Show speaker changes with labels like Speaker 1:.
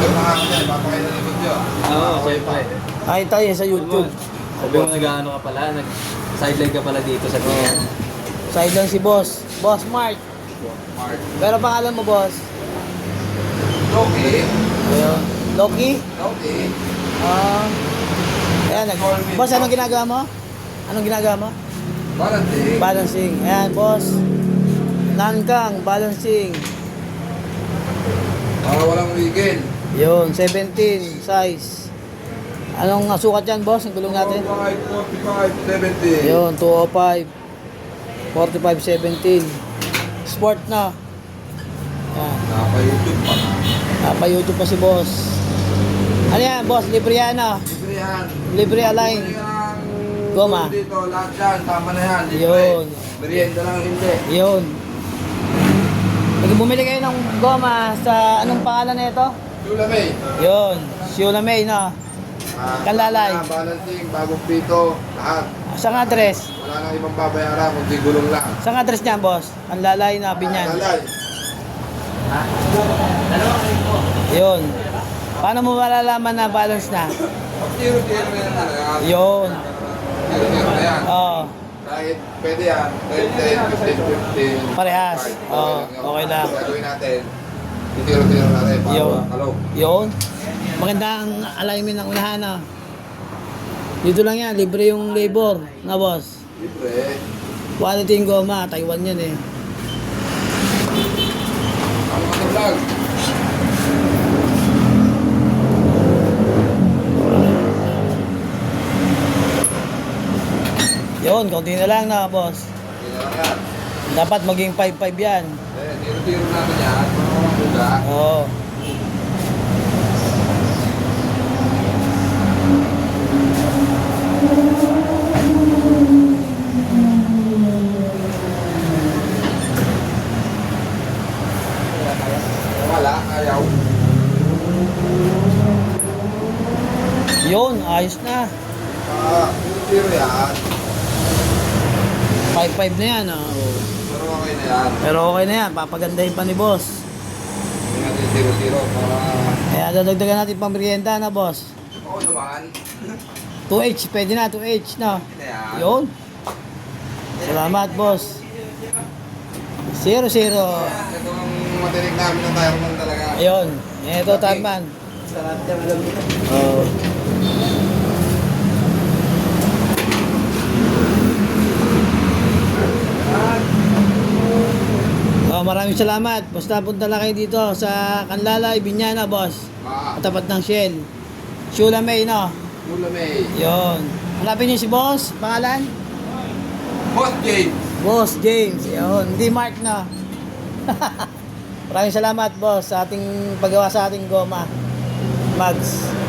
Speaker 1: Oo, siyempre.
Speaker 2: Ay, tayo sa YouTube.
Speaker 1: Sabi mo nag-ano ka pala, nag-sideline ka pala dito sa tingin.
Speaker 2: Side lang si boss. Boss Mark. Pero pangalan mo, boss?
Speaker 3: Loki.
Speaker 2: Ayun. Loki?
Speaker 3: Loki.
Speaker 2: Ayan, boss, anong ginagawa mo? Anong ginagawa mo?
Speaker 3: Balancing.
Speaker 2: Balancing. Ayan, boss. Nankang, balancing.
Speaker 3: Para walang weekend.
Speaker 2: Yun, 17 size. Anong sukat yan, boss? Ang gulong natin?
Speaker 3: 45, 70.
Speaker 2: Yun, 205. 45, 17. Sport na. Ayan.
Speaker 3: Naka-YouTube pa.
Speaker 2: Napa-YouTube pa si boss. Ano yan, boss? Libre yan, ah.
Speaker 3: Libre yan.
Speaker 2: Libre align.
Speaker 3: Libre yan.
Speaker 2: Goma.
Speaker 3: Dito, lahat yan. Tama na yan. Libre.
Speaker 2: Yun.
Speaker 3: Merienda lang hindi.
Speaker 2: Yun. Pag bumili kayo ng goma sa anong pangalan na ito?
Speaker 3: Chula May.
Speaker 2: Yun. Siula May, na. Kanlalay.
Speaker 3: Balancing, bagong pito, lahat.
Speaker 2: Saan address?
Speaker 3: Wala nang ibang babayaran, kundi gulong lang.
Speaker 2: Saan address niyan, boss? Kanlalay na Binyan.
Speaker 3: Lalay.
Speaker 2: Yun. Paano mo malalaman na balance na?
Speaker 3: Tiro-tiro na yan talaga.
Speaker 2: Yun.
Speaker 3: Tiro-tiro na yan.
Speaker 2: Oo.
Speaker 3: Kahit pwede yan, 10, 10, 15, 15.
Speaker 2: Parehas. Oo, okay lang.
Speaker 3: Gagawin natin, tiro-tiro natin para
Speaker 2: Yun.
Speaker 3: makalaw.
Speaker 2: Yun. Maganda ang alignment ng unahan, ah. Dito lang yan. Libre yung labor na, boss.
Speaker 3: Libre.
Speaker 2: Quality yung goma. Taiwan yan, eh.
Speaker 3: Ano ka sa vlog?
Speaker 2: Yun, konti na lang na, boss.
Speaker 3: Hindi na lang yan.
Speaker 2: Dapat maging 5-5 yan.
Speaker 3: Tiro-tiro natin yan, para makakuga.
Speaker 2: Oo.
Speaker 3: Wala, ayaw.
Speaker 2: Yun, ayos na.
Speaker 3: Tiro-tiro yan.
Speaker 2: 5-5 na yan, ah.
Speaker 3: Pero okay na yan.
Speaker 2: Pero okay na yan. Papagandahin pa ni boss.
Speaker 3: Hindi natin tiro-tiro para...
Speaker 2: Kaya dadagdagan natin pang merienda na, boss.
Speaker 3: Oo naman.
Speaker 2: 2H, pwede na, 2H na.
Speaker 3: Hindi na yan.
Speaker 2: Yun. Salamat, boss. 0-0.
Speaker 3: Ito ang matinig namin ng Tireman talaga.
Speaker 2: Ayun. Ito, Tarman.
Speaker 3: Sarap niya malam dito.
Speaker 2: Oo. Maraming salamat. Basta punta lang kayo dito sa Kanlalay, Binyana, boss. Katapat ng Shell. Shula May, no?
Speaker 3: Mula May.
Speaker 2: Yun. Hanapin niyo si boss. Pangalan?
Speaker 3: Boss James.
Speaker 2: Boss James. Yun. Hindi Mark, na. Maraming salamat, boss, sa ating paggawa sa ating goma. Mags.